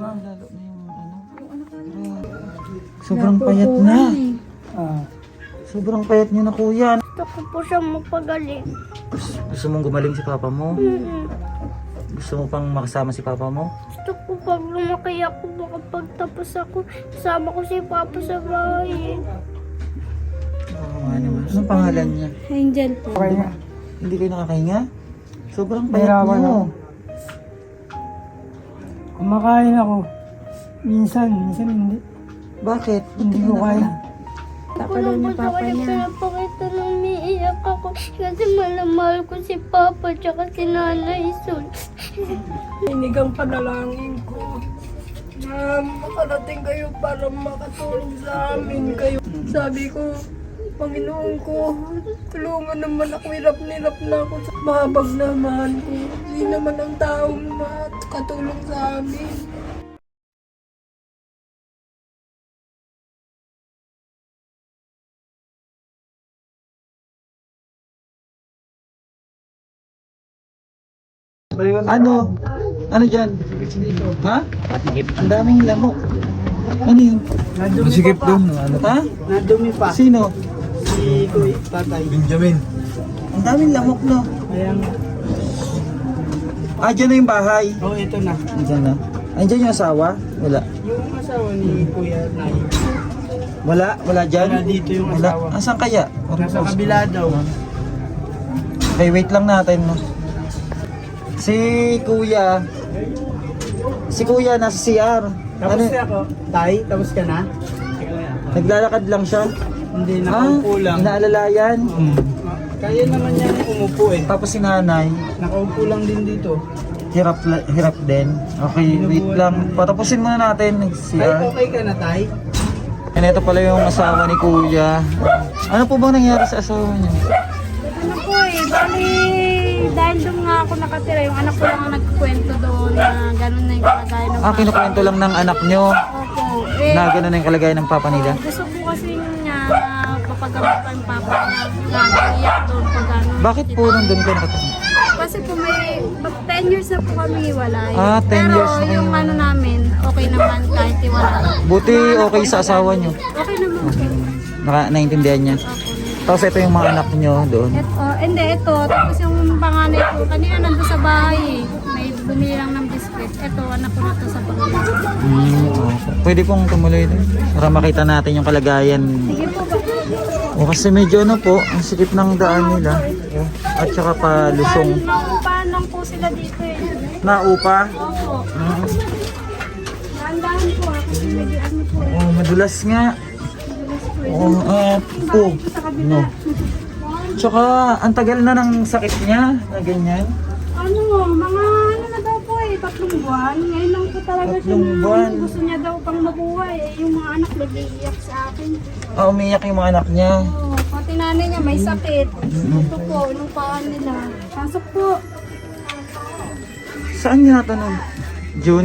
Lalo na yung ano. Sobrang payat na. Sobrang payat niyo na kuya. Gusto ko po siya magpagaling. Gusto mong gumaling si papa mo? Mm-mm. Gusto mo pang makasama si papa mo? Gusto ko pag lumaki ako, makapagtapos ako, kasama ko si Papa sa bahay. Oo nga naman. Anong pangalan niya? Angel po. Hindi kayo nakakahinga? Sobrang payat niyo. Kumakain ako. Minsan hindi. Bakit? Hindi ko kaya. Ako lang po sa kanya pinapakita na umiiyak ako kasi mahal ko si Papa tsaka si Nanay Sol. Inig ang panalangin ko na makarating kayo para makatulong sa amin kayo. Sabi ko, Panginoon ko, tulungan naman ako, hirap na ako sa mahabag na mahal ko. Hindi naman ang taong makatulong sa amin. Ano? Ano dyan? Ha? Ang daming lamok. Ano yun? Masikip doon. Ha? Nadumi pa. Sino? Si Kuy, tatay. Benjamin. Ang daming lamok, no? Ayan. Ah, dyan na yung bahay. Oh, ito na. Dyan na. Andyan yung asawa? Wala. Yung asawa ni Kuya Nay. Wala dyan? Wala dito yung Wala. asawa. Asan kaya? Nasa kabila daw. Okay, wait lang natin, no? Si Kuya nasa CR. Tapos na ako. Tay, tapos ka na? Naglalakad lang siya. Hindi, nakaupo lang. Inaalalayan. Kaya naman niya umupo eh. Tapos si nanay, Nakaupo lang din dito. hirap din. Okay, wait lang. Patapusin muna natin ng Tay, CR. okay ka na, Tay? And ito pala yung asawa ni Kuya. Ano po bang nangyari sa asawa niya? Ano po bali dahil doon nga ako nakatira, yung anak ko lang ang nagkwento doon na gano'n na yung kalagayan ng Ah, kinukwento lang ng anak nyo Opo. na gano'n na yung kalagayan ng papa nila. Gusto ko kasi niya papagamot pa yung Papa niya, nag-iyak doon pag ano. Bakit po nandun kayo nakatira? Kasi po may 10 years na po kami hiwalay. Ah, 10 Pero years na kayo. yung ano namin, okay naman kahit hiwalay. Buti okay sa asawa nyo. Okay naman po. Naintindihan niya. Tapos ito yung mga anak nyo doon. Ito. Tapos yung panganay ko, kanina nandun sa bahay eh. May bumili lang ng biscuit. Ito, anak ko na to sa pangalaman. Okay. Pwede pong tumuloy doon para makita natin yung kalagayan. Sige po ba? O kasi medyo ano po, ang sikip ng daan nila. At saka pa lusong. Naupahan lang po sila dito eh. Naupa. Opo. Dahan-dahan po ha, kasi medyo ano po eh. Oh, madulas nga. Oh, po. Sa kabila. No. Tsaka ang tagal na ng sakit niya na ganyan. Ano, mga ano na daw po eh, 3 buwan. Ngayon lang po talaga siya 3 na buwan. gusto niya daw pang mabuhay. Eh, yung mga anak nag-iiyak sa akin. Ah, umiyak yung mga anak niya. Oo, pati nanay niya may sakit. Ito po, nung paan nila. Pasok po. Saan niya natanong? June?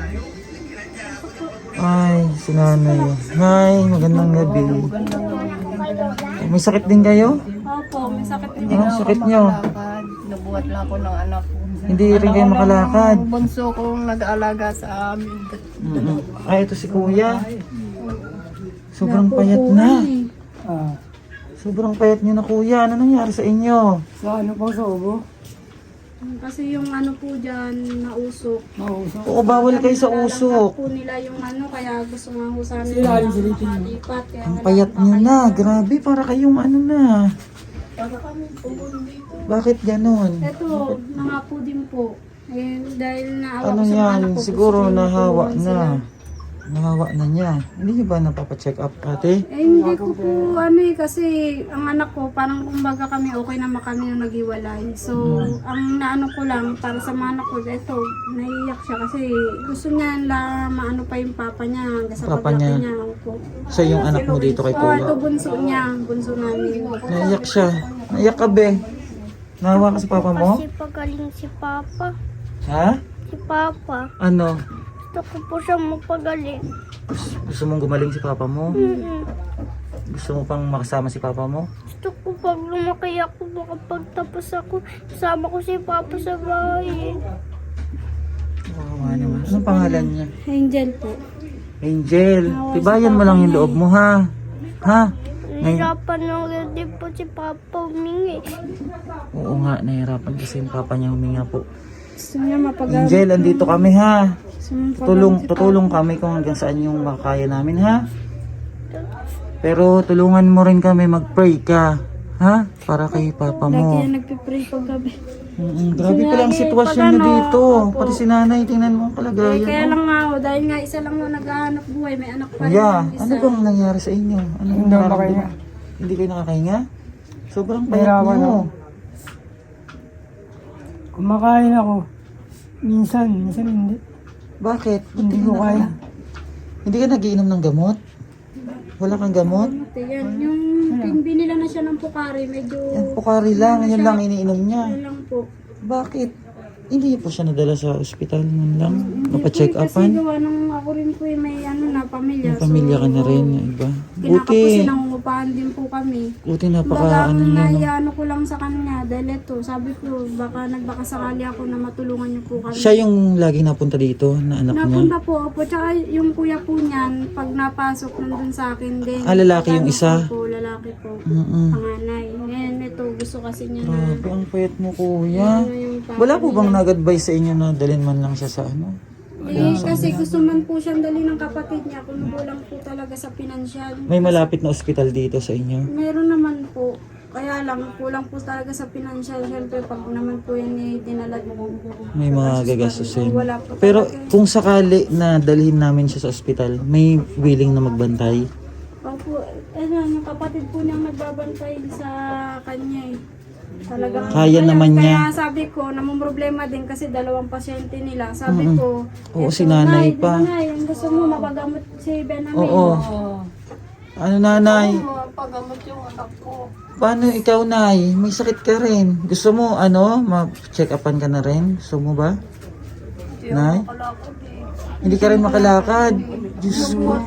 Ay, si nanay. Hi, magandang gabi. May sakit din kayo? Opo, may sakit din. Anong sakit niyo? Nabuhat lang ako ng anak ko. Hindi rin kayo makalakad. Ang bunso kong nag-aalaga sa amin. Ay, ito si kuya. Sobrang payat na. Sobrang payat niyo na kuya. Ano nangyari sa inyo? Sa ano po sa ubo? Kasi yung ano po dyan, nausok. Mausok. Oo, bawal kayo sa usok. po nila yung ano, kaya gusto nga ho sana Sila yung silitin. malipat. Kaya Ang payat niyo na. Grabe, para kayong ano na. Bakit ganon? Ito, nga po din po. Eh, dahil naawa Ano ko sa mga yan? anak ko. Siguro gusto nahawa tulungan na. sila. Nahawa na niya. Hindi niyo ba napapacheck up ate? Eh, hindi ko po ano eh, kasi ang anak ko, parang kumbaga kami okay naman kami nung naghiwalay. So, ang naano ko lang, para sa mga anak ko, ito, naiiyak siya kasi gusto niya na maano pa yung papa niya, hanggang sa Papa paglaki niya. niya. Opo. Siya yung anak mo dito kay Oh, kuya. ito bunso niya, bunso namin. Naiyak siya. Naiyak ka be. Nahawa ka sa papa mo? Kasi pagaling si Papa. Ha? Si Papa. Ano? Gusto ko po siya magpagaling. Gusto mong gumaling si papa mo? Mm-mm. Gusto mo pang makasama si papa mo? Gusto ko pag lumaki ako, makapagtapos ako, kasama ko si Papa sa bahay. Oo nga naman. Anong pangalan niya? Angel po. Angel. Tibayan mo lang yung loob mo, ha? Ha? Nahirapan lang din po si Papa humingi. Oo nga, nahirapan kasi yung papa niya huminga po. Gusto niya mapagamit. Angel, andito kami, ha? Gusto niya mapagamit si Tutulong kami kung hanggang saan yung makakaya namin, ha? Pero tulungan mo rin kami, mag-pray ka. Ha? Para kay papa Lagi mo. yan nagpipray paggabi. Grabe pala ang sitwasyon niyo dito. Pati si nanay, tingnan mo ang kalagayan. Kaya oh. lang nga ako, dahil nga isa lang ako naghahanap buhay, may anak pa rin Kuya, yung isa. ano bang nangyari sa inyo? Ano yung nararamdaman? Hindi kayo nakakahinga? Sobrang payat niyo. Kumakain ako. Minsan hindi. Bakit? Hindi ko kaya. Hindi ka nagiinom ng gamot? Wala kang gamot? Yan, yung binila na siya ng Pocari, medyo Yan, Pocari lang. Yan lang iniinom niya. ano lang po. Bakit? Hindi po siya nadala sa ospital man lang. Mapacheck Kasi upan. gawa nung ako rin po yung may ano na pamilya. May pamilya ka na rin, yung iba. Kinakapusin Buti. ang upahan din po kami. Buti Baga napaka ang ano niya, no? naiano ko lang sa kanya dahil ito, sabi ko baka nagbakasakali ako na matulungan niyo po kami. Siya yung lagi napunta dito na anak niya. Napunta po ako, tsaka yung kuya po niyan, pag napasok nandun sa akin din. Ah, lalaki yung isa? Po, lalaki po. Mm-mm. Panganay. Ngayon ito, gusto kasi niya na Grabe, ang payat mo, kuya. ano yung papa Wala po niya. bang nag-advise sa inyo na dalhin man lang siya sa ano? Kasi gusto man po siyang dali ng kapatid niya kung kulang po talaga sa pinansyal. May malapit na ospital dito sa inyo? Meron naman po. Kaya lang, kulang po talaga sa pinansyal. Siyempre, pag naman po yan dinala mo. May mga gagastusin. Wala po Pero talaga. kung sakali na dalhin namin siya sa ospital, may willing na magbantay? Opo, yung kapatid po niyang nagbabantay sa kanya eh. Talagang, Kaya naman niya. Kaya sabi ko, namumroblema din kasi dalawang pasyente nila. Sabi ko, Oo, eto, si nanay Nay, pa. di ba, Nay, ang gusto mo, mapagamot si Benjamin. Oo. Ano nanay? Pagamot yung anak ko. Paano ikaw, Nay? May sakit ka rin. Gusto mo, ano, ma-check upan ka na rin? Gusto mo ba? Nay? Hindi ka rin makalakad. Diyos ko.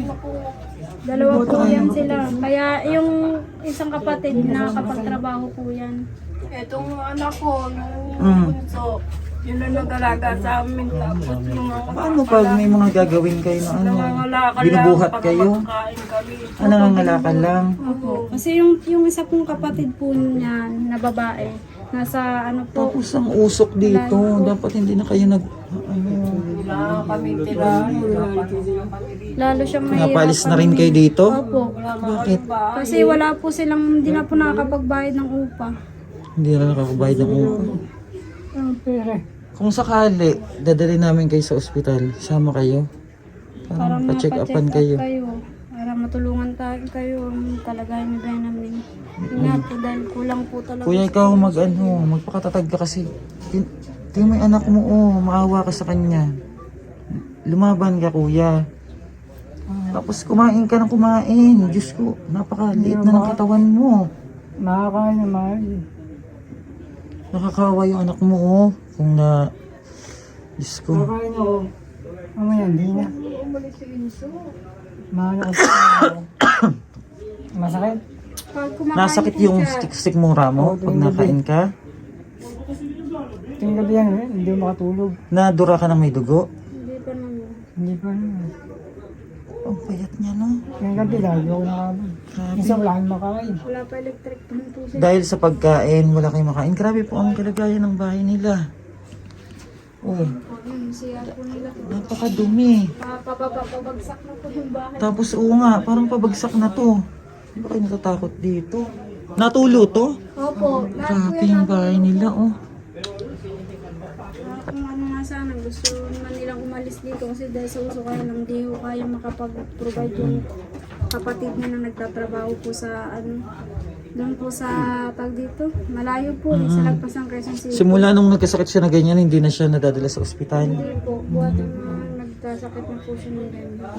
Dalawa po yan sila. Kaya yung isang kapatid, nakakapagtrabaho po yan. Itong anak ko, yung bunso, yun ang nag-alaga sa amin. Tapos yung mga Paano pag may mga gagawin kayo na ano? nangangalakal Binubuhat lang, kayo? pagkakain kami. Ah, nangangalakal lang? Opo. Kasi yung isa pong kapatid po niya na babae, nasa ano po, Tapos ang usok dito. Dapat hindi na kayo nag... Ano, Wala kami tira. lalo siyang may napalis na rin kayo dito? Opo. Bakit? Kasi wala po silang, hindi na po nakakapagbayad ng upa. Hindi na nakakabayad ng upa. Ang pera. Kung sakali, dadali namin kayo sa ospital, sama kayo. Para Para pa-check mapacheck upan up kayo. Para matulungan kayo talaga ni Benjamin. Yun nga po dahil kulang po talaga. Kuya, ikaw magpakatatag ka kasi. Tingnan mo yung anak mo, maawa ka sa kanya. Lumaban ka, kuya. Tapos kumain ka ng kumain. Diyos ko, napakaliit na ng katawan mo. Makakain naman. Nakakawa yung anak mo, Kung na... Diyos ko. Makakain ako. Mamaya, hindi na. Mahal ako sa masakit. Pag kumakain Nasakit po yung siya, stick mura mo pag nakain ka? Tingin gabi yan, hindi ako makatulog. Nadura ka ng may dugo? Hindi pa naman. Hindi pa naman. Ang payat niya, no? Tingin gabi, lagi ako nakabag. Grabe. Minsan wala akong makain. Wala pa electric pan po siya. Dahil sa pagkain, wala kayong makain. Grabe po ang kalagayan ng bahay nila. Oh, Siya po nila. napakadumi. Pabagsak na po yung bahay. Tapos oo nga, parang pabagsak na to. Hindi ba kayo natatakot dito? Natulo to? Opo. Lahat po Grabe yung bahay nila, oh. Kung ano nga sana, gusto naman nilang umalis dito kasi dahil sa uso kaya lang di ko kaya makapag-provide yung kapatid niya na nagtatrabaho po sa ano, doon po sa tag dito. Malayo po, sa lagpas ng Quezon City. Simula nung nagkasakit siya na ganyan, hindi na siya nadadala sa ospital. Hindi po, buhat na nagkasakit na po siya ng ganyan.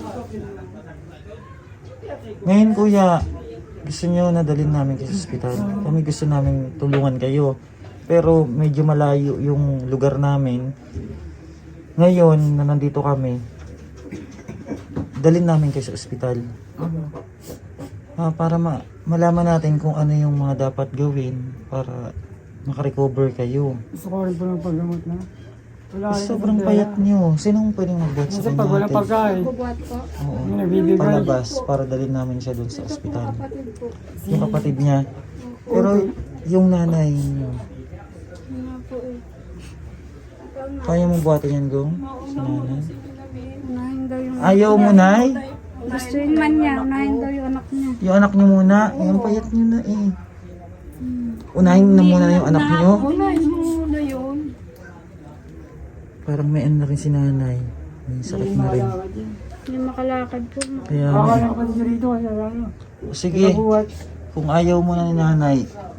Ngayon, kuya, gusto niyo nadalhin namin kayo sa ospital. Kami gusto namin tulungan kayo. Pero medyo malayo yung lugar namin. Ngayon, na nandito kami, dalhin namin kayo sa ospital. Para malaman natin kung ano yung mga dapat gawin para makarecover kayo. Gusto ko rin po ng paggamot na. Wala. Sobrang payat nyo. Sinong pwedeng magbuhat sa Kasi kanya? pag wala ate? pagkain, Bubuhat po. Oo. may nagbibigay. Palabas para dalhin namin siya doon sa ospital. Kapatid po. Yung kapatid niya. Pero yung nanay niyo, Yun nga po eh. kaya mong buhatin yan, Gong? Si nanay? Unahin daw yung... Ayaw mo, Nay? Gusto yun man niya. Unahin daw yung anak niya. Yung anak niyo muna. Yung payat niyo na eh. Unahin na muna yung anak niyo. Unahin mo muna yun. Parang may ano na rin si nanay. May sakit na rin. Hindi makalakad po. Kaya, Akala ko kasi rito kasi ano. sige. Nabuhat. Kung ayaw mo na ni nanay,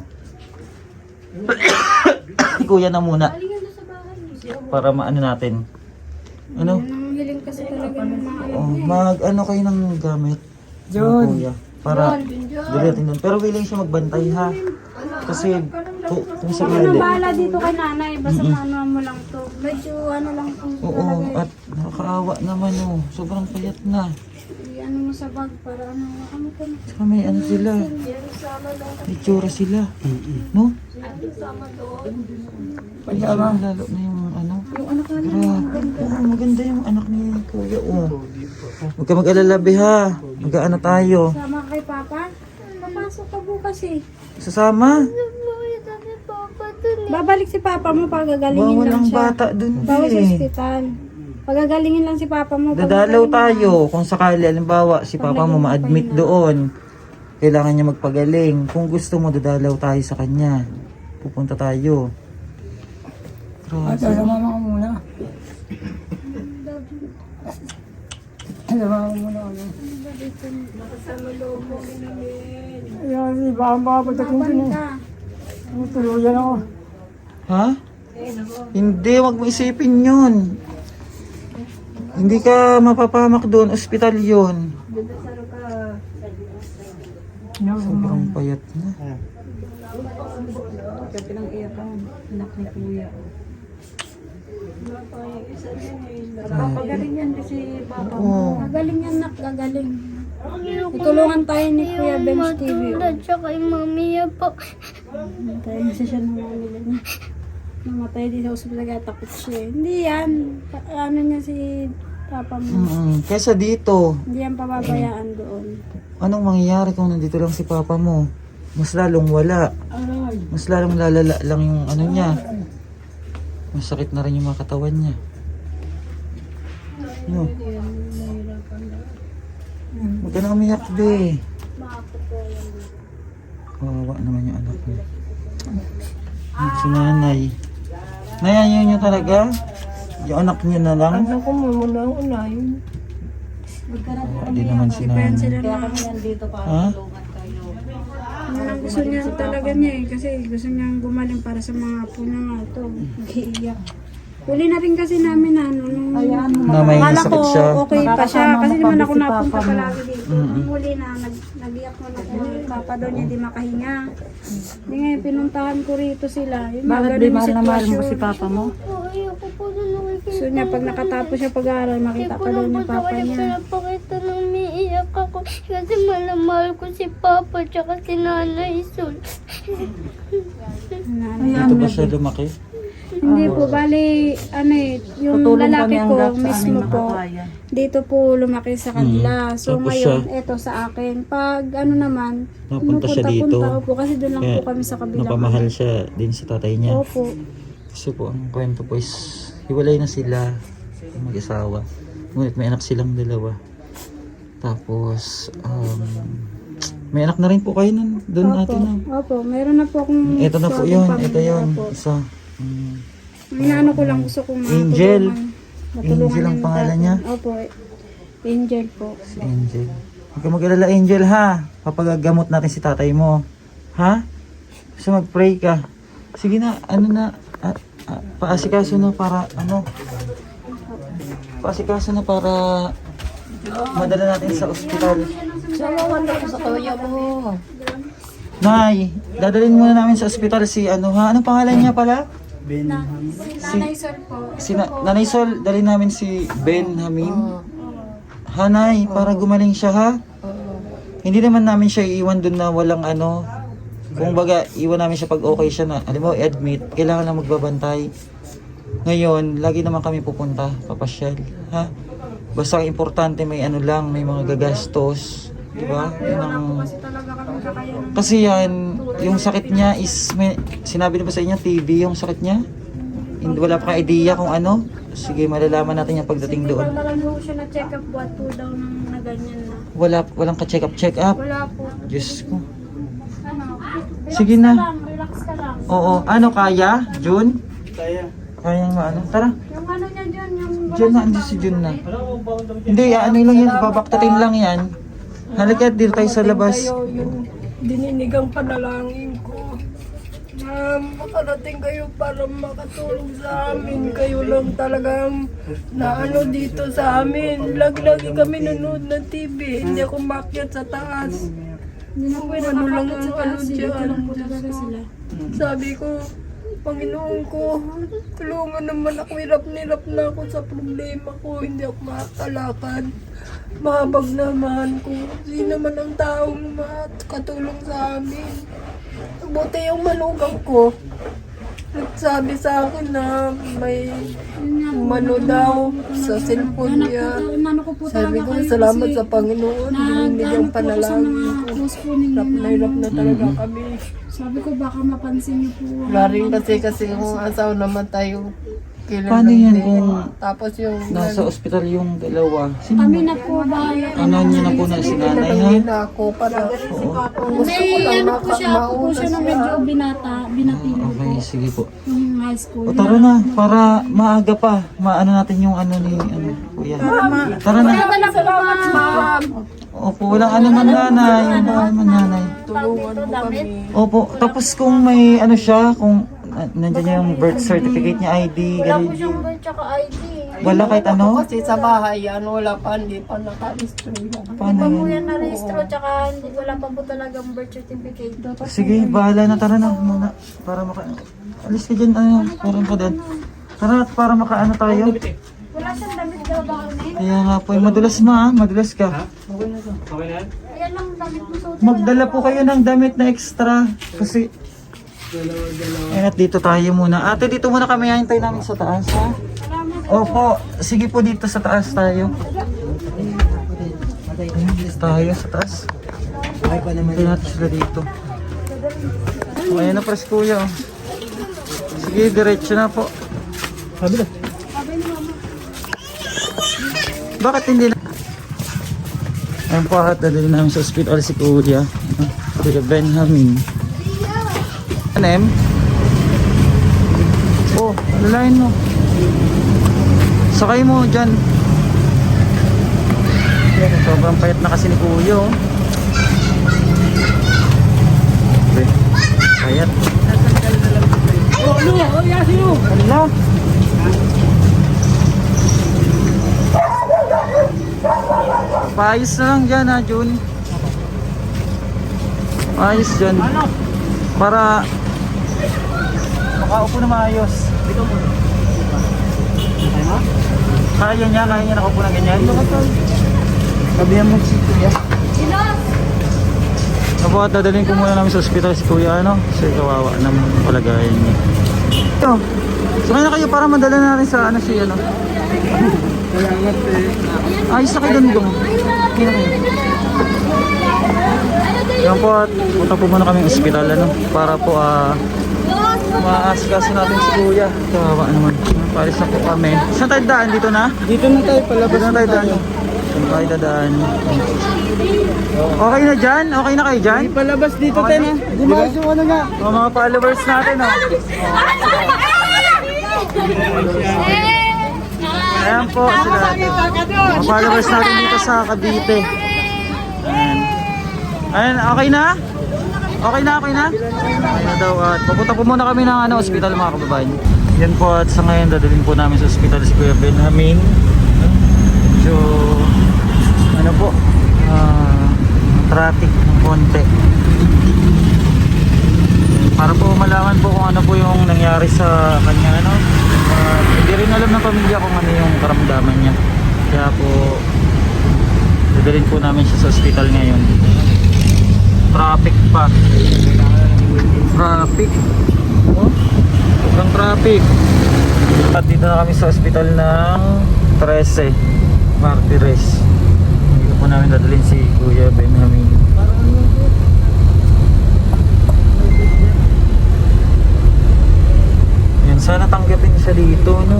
kuya na muna. Para maano natin. Ano? Yan ang hiling kasi talaga ng mga anak Oh, niya. mag-ano kayo ng gamit. John. Kuya. Para dilitin doon. Pero willing siya magbantay ha. Kasi kung Ano sakali. bahala dito kay nanay. Basta ano mo lang to. Medyo ano lang po. Oo, at nakakaawa naman oh. Sobrang payat na. Ano mo sa bag para ano. Ano ka na. Saka may ano sila. May tsura sila. No? Pagkama. Lalo na yung ano. Yung anak na Grabe. Oo, maganda yung anak ni Kuya. Oh. Huwag ka mag-alala, be, ha. Mag-ano tayo. sama kay Papa. Papasok ka bukas eh. Sasama? Babalik si Papa mo pag gagalingin Bawal lang ang siya. bata dun, Bawas sa be. ospital. Pagagalingin lang si Papa mo. Dadalaw tayo. Kung sakali, alimbawa, si Papa mo ma-admit doon. Kailangan niya magpagaling. Kung gusto mo, dadalaw tayo sa kanya. Pupunta tayo. At Grabe. sa mama ko muna. Sa mama ko muna. Ano. Ayan, si baka pagdating ko na. Ka. Tuluyan ako. Ha? Hindi, wag mo isipin yun. Hindi ka mapapamak doon. Ospital yun. Sobrang payat na. Papagaling yan kasi Papa mo. Oo. Gagaling yan nak, gagaling. Tutulungan tayo ni Kuya Benz TV. Tsaka yung mamiya po. Tayo kasi siya nanganila niya. Namatay din sa ospital kaya takot siya. Hindi yan. Ano niya si Papa mo. Kesa dito, Hindi yan pababayaan doon. anong mangyayari kung nandito lang si Papa mo? Mas lalong wala. Mas lalong lalala lang yung ano niya. Masakit na rin yung mga katawan niya. No. Huwag ka na umiyak, be. Kawawa naman yung anak niya. Si nanay. Nayayaw niyo talaga? Yung anak niya na lang? Ano ko muna ang unahin. Hindi naman si nanay. Ha? Yan ang gusto niya talaga niya eh. Kasi gusto niyang gumaling para sa mga apo niya nga ito. Nag-iiyak. Huli na rin kasi namin ano. Nung Na may akala sakit ko siya. okay pa siya. Kasi naman ako napunta palagi dito. Nung huli na, nag-iyak mo na po. Papa daw niya di makahinga. Hindi nga, pinuntahan ko rito sila. Yung mga ganun yung sitwasyon. Papa mo? Oo, ayoko po na nakikita. Gusto niya pag nakatapos siya pag-aaral, makita pa daw ni Papa niya. Pinapakita nang umiiyak ako kasi mahal ko si Papa tsaka si Nanay Sol. Dito ba siya lumaki? Hindi po, bali, ano eh, yung lalaki ko mismo po, dito po lumaki sa kanila. So Tapos ngayon, eto sa akin. Pag ano naman, Napunta siya dito. pumupunta-punta po kasi doon lang Kaya po kami sa kabila. napamahal siya din sa tatay niya. Opo. Kasi po, ang kwento po is, hiwalay na sila, mag-asawa. Ngunit may anak silang dalawa. Tapos, may anak na rin po kayo nun, doon natin na. Opo, meron na po akong... Ito na po solid yun, family. ito yun, Opo. isa. Inaano ko lang gusto kong Angel. matulungan Angel ang yung pangalan tatay. niya? Opo, Angel po. Si Angel. Huwag ka mag-alala, Angel, ha? Papagagamot natin si tatay mo. Ha? Gusto mag-pray ka. Sige na, ano na, paasikaso na para, paasikaso na para madala natin sa ospital. Salamat ako sa kuya mo. Nay, dadalhin muna namin sa ospital si Anong pangalan niya pala? Nanay Sol po. Nanay Sol, dalhin namin si Ben Hamim. Hanay, para gumaling siya ha? Hindi naman namin siya iiwan dun na walang kung baga, iwan namin siya pag okay siya na, alam mo, i-admit, kailangan lang magbabantay. Ngayon, lagi naman kami pupunta, papasyal, ha? Basta ang importante may ano lang, may mga gagastos, di ba? Yun ang... Kasi talaga kami kakayanan. Kasi yan, yung sakit niya is, may, sinabi na ba sa inyo, TB yung sakit niya? Hindi, wala pa kang idea kung ano? Sige, malalaman natin yung pagdating doon. Wala lang po siya na-check up buhat po daw na ganyan na. Walang ka-check up. Wala po. Diyos ko. Ano? Sige na. Relax ka lang. Oo, ano kaya? June? Kayang maano? Tara, Yung ano niya dyan, yung... June na, hindi si June na. Hindi, ano lang yan, babaktatin lang yan. Halika, dito tayo sa labas. Kayo yung dininigang panalangin ko na makarating kayo para makatulong sa amin. Kayo lang talagang naano dito sa amin. Lagi-lagi kami nanood ng TV. Hindi ako makyat sa taas. Hindi na po Ano lang nakakapit ang sa ano taas. Dito dyan. lang po talaga sila. Sabi ko, Panginoon ko, tulungan naman ako. Hirap na ako sa problema ko. Hindi ako makakalakad. Mahabag naman ko. Sino naman ang taong makatulong sa amin. Buti yung manugang ko. Nagsabi sa akin na may mano daw sa cellphone niya. Inano ko po Sabi talaga ko, kayo salamat kasi sa Panginoon. Binigyan nag-ano po ako sa panalangin mga ko. close po ninyo. Hirap na talaga kami. Sabi ko baka mapansin niyo po. Wala rin kasi kung asawa naman tayo. Kailan Paano lang yan din. kung Tapos yung nasa ospital yung dalawa? Sino Kami ba? na po bahala. Ano niya na po na si nanay, ha? nanay na ako para Oo. gusto ko May lang ano po siya, ako po mauna siya na siya. medyo binatino Okay, po. sige po. Yung high school. O tara na, para maaga pa. Maano natin yung ano ni, ano, kuya. Tara na. Dala po Ma'am, Opo, walang ano man nanay. Walang man nanay. tulungan mo kami. Opo, tapos kung may ano siya, kung nandiyan yung birth certificate niya, ID, Wala po ganun. siyang birth tsaka ID. Wala kahit ano? Kasi sa bahay, wala pa, hindi pa naka-restro yan. Paano Pa po yun? yan na-rehistro tsaka wala pa po talagang birth certificate. Sige, bahala na. Tara na muna. Para maka... Alis ka dyan, ano, parang ka din. Tara, para makaano tayo. Wala siyang damit daw ba kami? Kaya nga po, madulas madulas ka. Ayan lang damit mo suot. Magdala po kayo ng damit na extra. Kasi... Ayan at dito tayo muna. Ate, dito muna kami. Hintay namin sa taas, ha? Opo, sige po dito sa taas tayo. Ayan, tayo sa taas. Hintay natin sila dito. Oh, ayan na pres kuya. Oh. Sige, diretso na po. Bakit hindi na? Ayan po at dadali namin sa hospital si kuya. Kuya Benjamin. Anem? Oh, lalayin mo. Sakay mo dyan. Sobrang payat na kasi ni kuya. Oh. Okay. Payat. Oh, ano? Oh, yasin mo! Hala. Paayos na lang dyan ha, Jun. Paayos dyan. Para makaupo na maayos. Kaya niya nakaupo na ganyan. Sabihan mo si kuya. Apo at dadalhin ko muna namin sa ospital si kuya, ano? Kasi kawawa naman yung palagayan niya. Ito, sakay na kayo para madala natin sa ano siya, ano? Salamat eh. Ayos na kayo doon doon. Kaya kayo. Yan po at punta po muna kami ng ospital, ano? Para po maasikaso natin si kuya. Kawawa naman. Paris na po kami. Saan tayo daan? Dito na? Dito na tayo, palabas Saan tayo daan? Saan tayo dadaan? Okay na dyan? Okay na kayo dyan? Palabas dito Okay tayo. na. Gumawas yung ano nga. Mga followers natin, oh. Ayan po sila. Mga followers natin dito sa Cavite. Ayan. Ayan, okay na? Okay na? Okay na daw. At pupunta po muna kami ng ospital, mga kababayan. Yan po at sa ngayon dadalhin po namin sa ospital si Kuya Benjamin. So, ano po, traffic ng konti. Para po malaman po kung ano po yung nangyari sa kanya, ano. Hindi rin alam ng pamilya kung ano yung karamdaman niya. Kaya po dadalhin po namin siya sa ospital ngayon. Traffic pa. Traffic. Oh, sobrang traffic. At dito na kami sa ospital ng 13 Martires. Dito po namin dadalhin si Kuya Benjamin. Yan, sana tanggapin siya dito, no?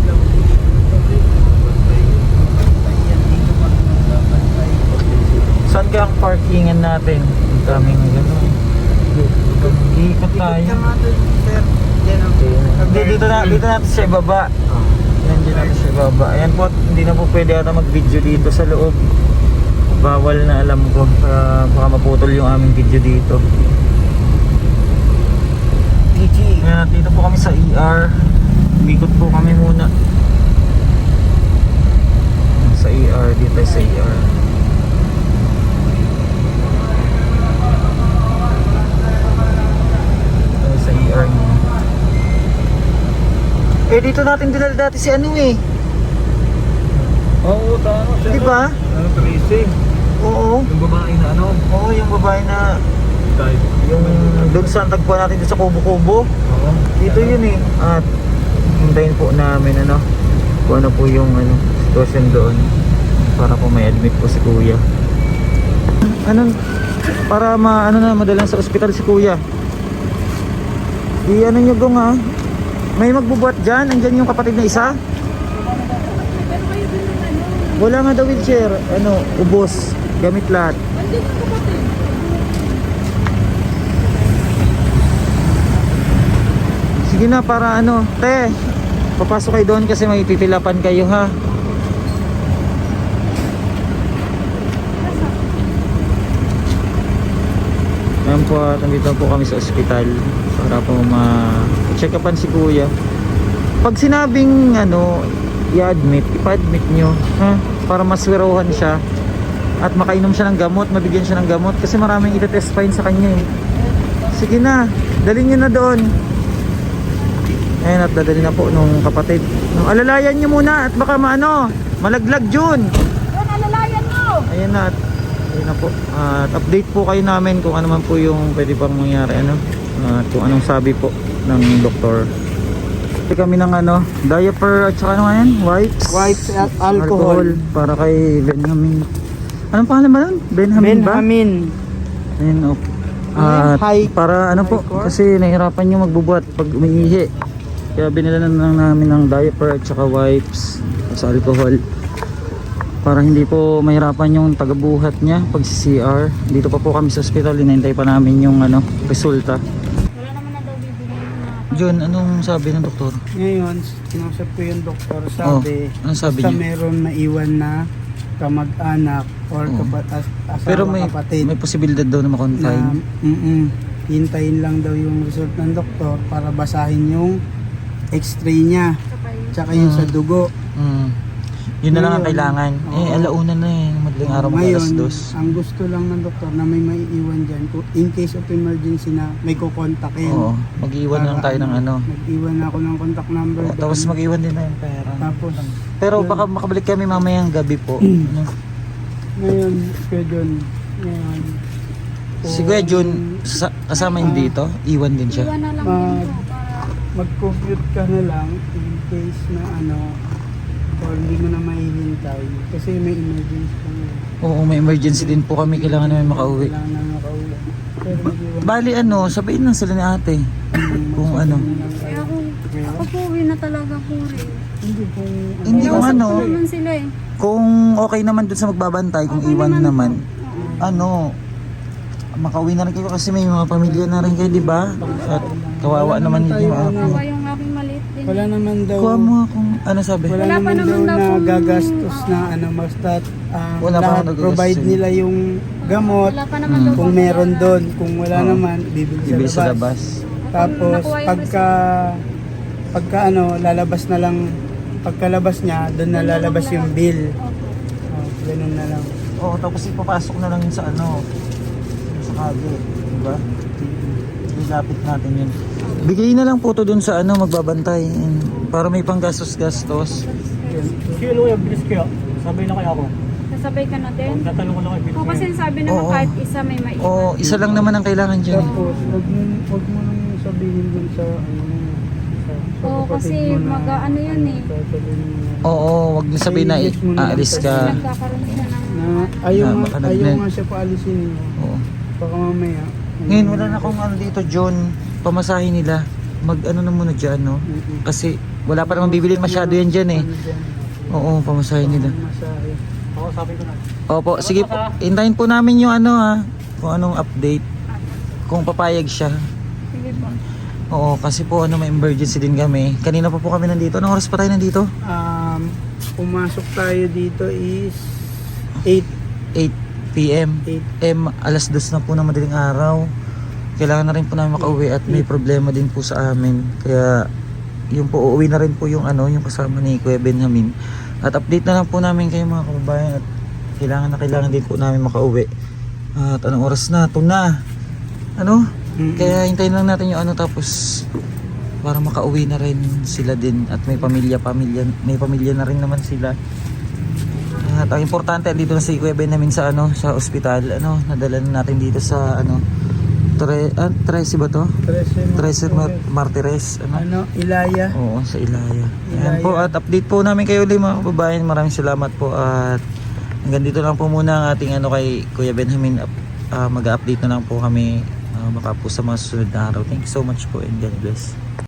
Saan kaya ang parkingan natin? Ang daming gano'n. Iikot tayo. Dito natin siya ibaba. Yan, dito natin siya ibaba. Ayan po, hindi na po pwede ata mag-video dito sa loob. Bawal na, alam ko. Baka maputol yung aming video dito. Ayan, dito po kami sa ER. Umikot po kami muna. Sa ER, dito sa ER. Sa ER niya. Eh, dito natin dinala dati si ano eh. Oo, tama siya. Di ba? Ano, Tracy? Oo. Yung babae na ano? Oo, yung babae na Type. yung doon sa tagpuan natin doon sa Kubo-Kubo. Oo. Dito yun eh. At hintayin po namin ano kung ano po yung ano sitwasyon doon para po may admit po si Kuya. Ano para madalan sa ospital si Kuya. Ano nyo gong ha? May magbubuhat dyan? Andyan yung kapatid na isa? Wala nga daw wheelchair. Ano, ubos. Gamit lahat. Sige na para ano. Te, papasok kayo doon kasi may pipilapan kayo ha. Ayan po, nandito po kami sa ospital para po ma-check upan si Kuya. Pag sinabing ano, i-admit, ipa-admit nyo ha? Para maswiruhan siya at makainom siya ng gamot, mabigyan siya ng gamot kasi maraming itetest fine sa kanya eh. Sige na, dalhin nyo na doon. Ayan, at dadalhin na po nung kapatid. Alalayan nyo muna at baka malaglag Jun. Alalayan mo! Ayan na, ayun na po. At update po kayo namin kung ano man po yung pwede pang mangyari ano. At kung anong sabi po ng doktor. Kami ng ano, diaper at saka ano nga yan? Wipes at alcohol. para kay Benjamin. Anong pangalan ba nun? Benjamin ba? Ayun, okay. At para ano po, kasi nahirapan yung magbubuhat pag umiihi. Kaya binila na lang namin ng diaper at saka wipes at sa alcohol. Para hindi po mahirapan yung tagabuhat niya pag si CR. Dito pa po kami sa hospital, hinihintay pa namin yung ano, resulta. Wala naman na daw bibili na. John, anong sabi ng doktor? Ngayon, kinausap ko yung doktor, sabi, anong sabi basta niya? meron naiwan na kamag-anak or Oo. asawa, Pero may kapatid posibilidad daw na na ma-confine. hintayin lang daw yung result ng doktor para basahin yung x-ray niya tsaka yung sa dugo. Yun na lang ang Ngayon, kailangan. oo. Alauna na eh. Madaling araw mag Ngayon, alas 2. ang gusto lang ng doktor na may maiiwan dyan in case of emergency na may kukontakin. Oo. Mag-iwan na lang tayo ng ano. Mag-iwan ako ng contact number. Oo, tapos doon. mag-iwan din na yung pera. Tapos, Pero baka makabalik kami mamayang gabi po. Ano? ngayon, Kuya John, ngayon, Si Kuya Jun, kasama yun dito? Iwan din siya? Iwan na lang Mag- din po para mag-compute ka na lang in case na ano, or hindi mo na mahihintay kasi may emergency pa ngayon. Oo, may emergency din po kami. Kailangan namin makauwi. Kailangan na makauwi. Pero mag-iwan. Bali ano, sabihin lang sila ni ate. Kung ano. kaya ako po uwi na talaga po rin. Hindi kung Hindi kung Kausap ano. ko naman sila eh. Kung okay naman dun sa magbabantay, kung Okay iwan naman naman, po. ano, makauwi na rin kayo kasi may mga pamilya na rin kayo, di ba? At kawawa naman yung Kawa ako. yung aking maliit din. wala naman daw Kuha mo akong, ano sabi? wala Wala pa naman daw naman daw na kung- gagastos na ano basta Wala pa lahat naman provide gagastos. nila yung gamot Wala pa naman daw kung po meron kaya- doon kung wala Oo. naman bibili Bibili sa sa labas. labas. Tapos Nakuha yung pagka ano lalabas na lang pagkalabas niya doon na lalabas yung bill. Ganun na lang. Oo, tapos ipapasok na lang yun sa ano, sa kage, di ba? Ilapit natin yun. Bigay na lang po to dun sa ano, magbabantay. Para may panggastos-gastos. Sino yung bilis kaya? Sabay na kaya ako. Sasabay ka na din. Tatanong ko lang kay O kasi sabi naman Oo. kahit isa may maiwan. Oo, isa lang naman ang kailangan dyan. Tapos wag mo nang sabihin dun sa ano sa Oo, kasi ano yun eh. Oo, wag niyo sabihin na Yes, muna lang aalis Kasi ka. nagkakaroon siya ng... Ayaw, Ah, baka ayaw nag- nga siya paalisin. Oo. Baka mamaya. Ngayon wala na akong ano dito, John. Pamasahin nila. Mag ano na muna dyan, no? Kasi wala pa naman bibilin masyado yan dyan eh. Oo, pamasahin nila. Masahe. Ako, sabi ko na. Opo, sige po. Hintayin po namin yung ano ha. Kung anong update. Kung papayag siya. Sige po. Oo, kasi po ano may emergency din kami. Kanina pa po kami nandito. Anong oras pa tayo nandito? Pumasok tayo dito is 8. 8 p.m. 8. Alas 2 na po ng madaling araw. Kailangan na rin po namin makauwi at may problema din po sa amin. Kaya yung po uuwi na rin po yung ano, yung kasama ni Kuya Benjamin. At update na lang po namin kayo mga kababayan at kailangan din po namin makauwi. At anong oras na? Ito na. Ano? Kaya hintayin lang natin yung ano tapos para makauwi na rin sila din at may pamilya na rin naman sila. At ang importante dito na si Kuya Benjamin sa ano sa ospital, ano nadala na natin dito sa ano Trece ba to? Trece Martires Ilaya. Oo, sa Ilaya. Ayan Ilaya. po at update po namin kayo ulit mga kababayan. Maraming salamat po at hanggang dito lang po muna ang ating ano kay Kuya Benjamin. Mag-update na lang po kami baka po sa mga susunod na araw. Thank you so much po and God bless.